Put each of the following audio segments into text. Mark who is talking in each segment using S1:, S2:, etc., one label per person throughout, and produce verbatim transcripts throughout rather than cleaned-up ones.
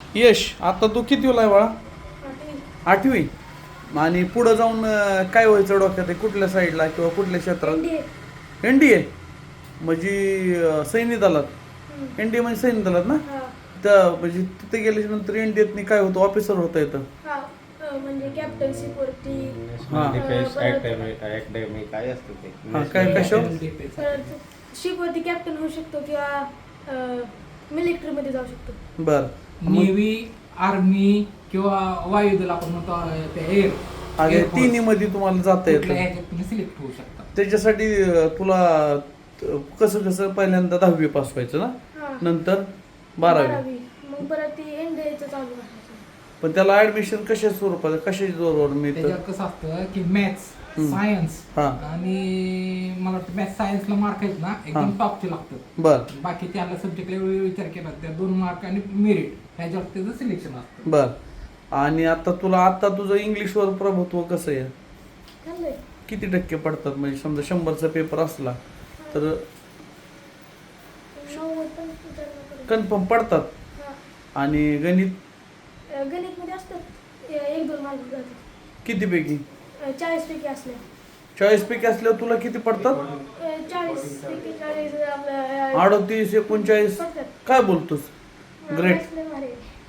S1: यश आता तू कितवीला आहे बाळा? आठवी. आणि पुढं जाऊन अं, काय व्हायचं डोक्यात आहे? कुठल्या साईडला किंवा कुठल्या क्षेत्रात? एनडीए म्हणजे अं, सैन्य दलात. एनडीए म्हणजे सैन्य दलात ना? तर म्हणजे तिथे गेल्याच्या नंतर एनडीएत काय होतं? ऑफिसर होता येतं.
S2: म्हणजे कॅप्टनशिप वरती
S3: अकॅडमी काय असतं ते?
S1: हा, काय कशावर?
S2: शिप वरती कॅप्टन होऊ शकतो किंवा मिलिटरी मध्ये जाऊ शकतो.
S1: बर.
S4: नेव्ही, आर्मी किंवा वायुदल आपण म्हणतो अं, ते एअर
S1: अगे तिन्ही मध्ये तुम्हाला जाता येतं.
S4: तुम्ही सिलेक्ट होऊ शकता.
S1: त्याच्यासाठी अं, तुला अं, कसं कसं पहिल्यांदा दहावी पास व्हायचं ना,
S2: हा.
S1: नंतर बारावी.
S2: बारावी मग परत ती एनडीएचं चालू करायचं.
S1: पण त्याला ऍडमिशन कशा स्वरूपात कशाच्या जोरावर मिळतं?
S4: त्याच्यावर कसं असतं की मॅथ्स,
S1: हम्म.
S4: सायन्स
S1: हा.
S4: आणि मला वाटतं मॅथ्स सायन्सला मार्क आहेत ना एकदम
S1: हा.
S4: टॉपचे लागतात.
S1: बर
S4: बाकी त्याला सब्जेक्टला विचार केला त्या दोन मार्क आणि मेरिट ह्याच्यावर त्याचं सिलेक्शन असतं.
S1: बर. आणि आता तुला आता तुझं इंग्लिशवर प्रभुत्व कसं आहे?
S2: चाललंय.
S1: किती टक्के पडतात? म्हणजे समजा शंभरचा पेपर असला तर
S2: नव्वद पंच्याण्णव
S1: कन्फर्म पडतात.
S2: हा.
S1: आणि गणित
S2: गणित मध्ये असतात एक दोन मार्क जातात.
S1: कितीपैकी?
S2: चाळीस पैकी असल्या
S1: चाळीस पैकी असल्यावर तुला किती पडतात?
S2: चाळीस पैकी चाळीस आपलं
S1: अडतीस एकोणचाळीस
S2: पडतात.
S1: काय बोलतोस? ग्रेट.
S2: असले भारी.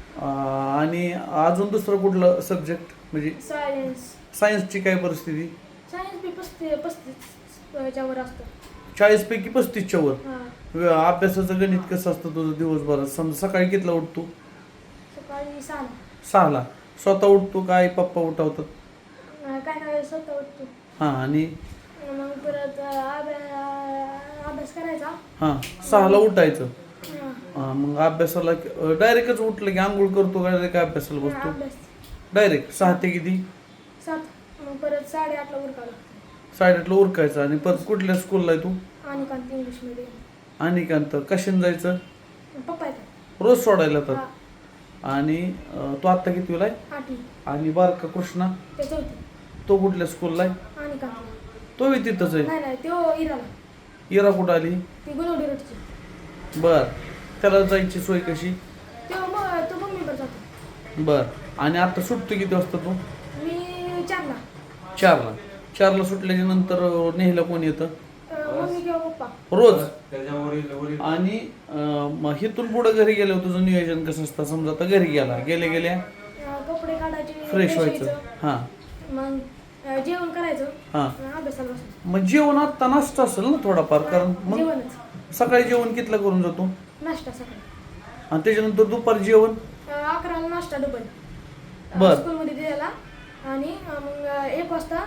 S1: आणि अजून दुसरं कुठलं सब्जेक्ट म्हणजे
S2: सायन्स
S1: सायन्सची काय परिस्थिती?
S2: सायन्स बी पस्तीस पस्तीस च्या वर असतं.
S1: चाळीस पैकी पस्तीसच्या वर.
S2: हा.
S1: व- अभ्यासाचं गणित कसं असतं तुझं दिवसभरात? समजा सकाळी कितीला उठतो?
S2: सकाळी सहा
S1: सहाला. स्वतः उठतो काय पप्पा उठवतात?
S2: काय काय स्वतः उठतो.
S1: हां. आणि
S2: मग परत अभ्यास अभ्यास करायचा.
S1: हां सहाला उठायचं.
S2: हा.
S1: हां, मग अभ्यासाला डायरेक्टच उठलं की आंघोळ करतो का डायरेक्ट अभ्यासाला
S2: हा,
S1: बसतो?
S2: अभ्यास
S1: डायरेक्ट सहा ते किती?
S2: सात. मग परत साडेआठला उरकावं लागतं.
S1: साडेआठला उरकायचं. आणि परत कुठल्या स्कूलला आहे तू?
S2: आणि कांत इंग्लिश मध्ये
S1: आणि कांत कशाने जायचं?
S2: पप्पा येतात.
S1: रोज सोडायला तर.
S2: हा.
S1: आणि अं, तो आत्ता कितवीला आहे?
S2: आठवी
S1: आणि बारका कृष्णा
S2: ते चौथी.
S1: तो कुठल्या स्कूलला आहे?
S2: आणि कांत
S1: तो बी तिथंच आहे.
S2: नाही नाही तो इराला.
S1: इरा कुठं आली?
S2: ती गुलवडी रोडची.
S1: बर. त्याला जायची सोय कशी?
S2: तो मग तो मम्मीवर जातो.
S1: बर. आणि आता सुटतो किती वाजता तू?
S2: मी चारला.
S1: चारला. चारला सुटल्याच्या नंतर नेहला कोण येतं?
S2: अं, मम्मी किंवा पप्पा.
S1: रोज.
S3: त्याच्यावरील वरील
S1: आणि अं, मग इथून पुढं घरी गेल्यावर तुझं नियोजन कसं असतं? समजा आता घरी गेला गेले गेल्या
S2: अं, कपडे काढायचे.
S1: फ्रेश
S2: व्हायचं.
S1: व्हायचं. हां
S2: मग अं, जेवण करायचं.
S1: हां.
S2: अं, अभ्यासाला बसायचं.
S1: मग जेवण आत्ता नाश्ता असेल ना थोडाफार? कारण मग
S2: जेवणच.
S1: सकाळी जेवण कितला करून जातो?
S2: नाश्ता सकाळी.
S1: आणि त्याच्यानंतर दुपारी जेवण?
S2: अं, अकराला नाश्ता डबल.
S1: बर.
S2: स्कूलमध्ये दिलेला. आणि अं, मग अं, एक वाजता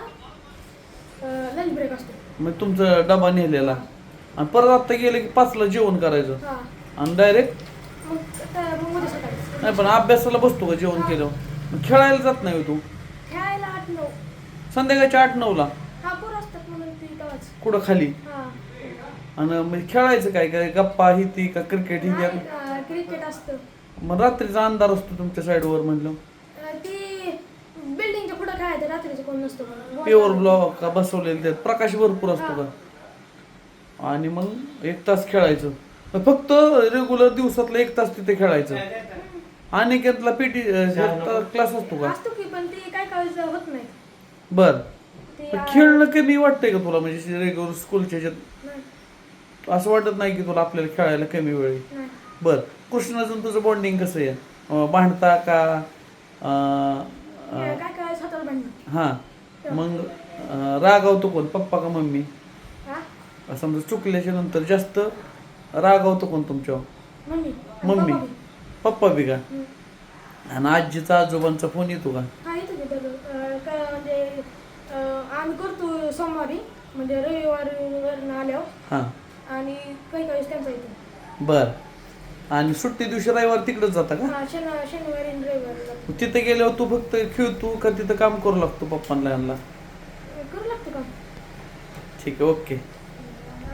S2: लंच ब्रेक असतो.
S1: मग तुमचा डबा नेलेला. आणि परत आत्ता गेलं की पाचला जेवण करायचं.
S2: हा.
S1: आणि डायरेक्ट
S2: मग आता मग मध्ये सकाळी.
S1: नाही पण अभ्यासाला बसतो का जेवण केल्यावर? मग खेळायला जात नाही हो तू?
S2: खेळायला आठ नऊ.
S1: संध्याकाळच्या आठ नऊला
S2: हा पोरं असतात म्हणून ती तेव्हाच.
S1: कुठं खाली?
S2: हा.
S1: आणि म्हणजे खेळायचं काय काय गप्पा ही ती का क्रिकेट ही
S2: नाही,
S1: ती?
S2: अं, क्रिकेट असतं.
S1: मग रात्रीचा अंधार असतो तुमच्या साईडवर म्हणलं.
S2: अं, ती बिल्डिंगच्या पुढं खेळायचं रात्रीचं कोण नसतं म्हणून.
S1: पेवर ब्लॉक का बसवलेले त्यात प्रकाश भरपूर असतो का? आणि मग एक तास खेळायचं. फक्त रेग्युलर दिवसातलं एक तास तिथे खेळायचं. आणि त्यातला पीटी क्लास असतो का?
S2: असतो की पण ती काय काळजी होत नाही.
S1: बर.
S2: ती
S1: पण
S2: अं,
S1: खेळणं कमी वाटतंय का तुला? म्हणजे रेग्युलर स्कूलच्या ह्याच्यात
S2: नाही,
S1: असं वाटत नाही की तुला आपल्याला खेळायला कमी वेळ आहे?
S2: नाही.
S1: बर. कृष्णाचं तुझं बॉन्डिंग कसं आहे? अं, भांडता का? अं,
S2: काय
S1: अं,
S2: काय काय स्वतःला भांडणं.
S1: हां. मग अं, रागावतो कोण? पप्पा का मम्मी?
S2: हा.
S1: समजा चुकल्याच्या नंतर जास्त रागावतो कोण तुमच्यावर?
S2: मम्मी.
S1: मम्मी.
S2: पप्पा बी.
S1: पप्पा बी का?
S2: हम्म.
S1: आणि आजीचा आजोबांचा फोन येतो का?
S2: हा येतो की दररोज. अं, काय म्हणजे अं, आम्ही करतो सोमवारी म्हणजे रविवारी आल्यावर.
S1: हां.
S2: आणि काही काही त्यांचा येतो.
S1: बर. आणि सुट्टी दिवशी रविवार तिकडेच जाता का?
S2: हा शनि शनिवारी आणि रविवारी जातो.
S1: तिथे गेल्यावर तू फक्त खेळतो का तिथं काम करू लागतो पप्पांना यांना?
S2: करू लागतो का?
S1: ठीक आहे. ओके.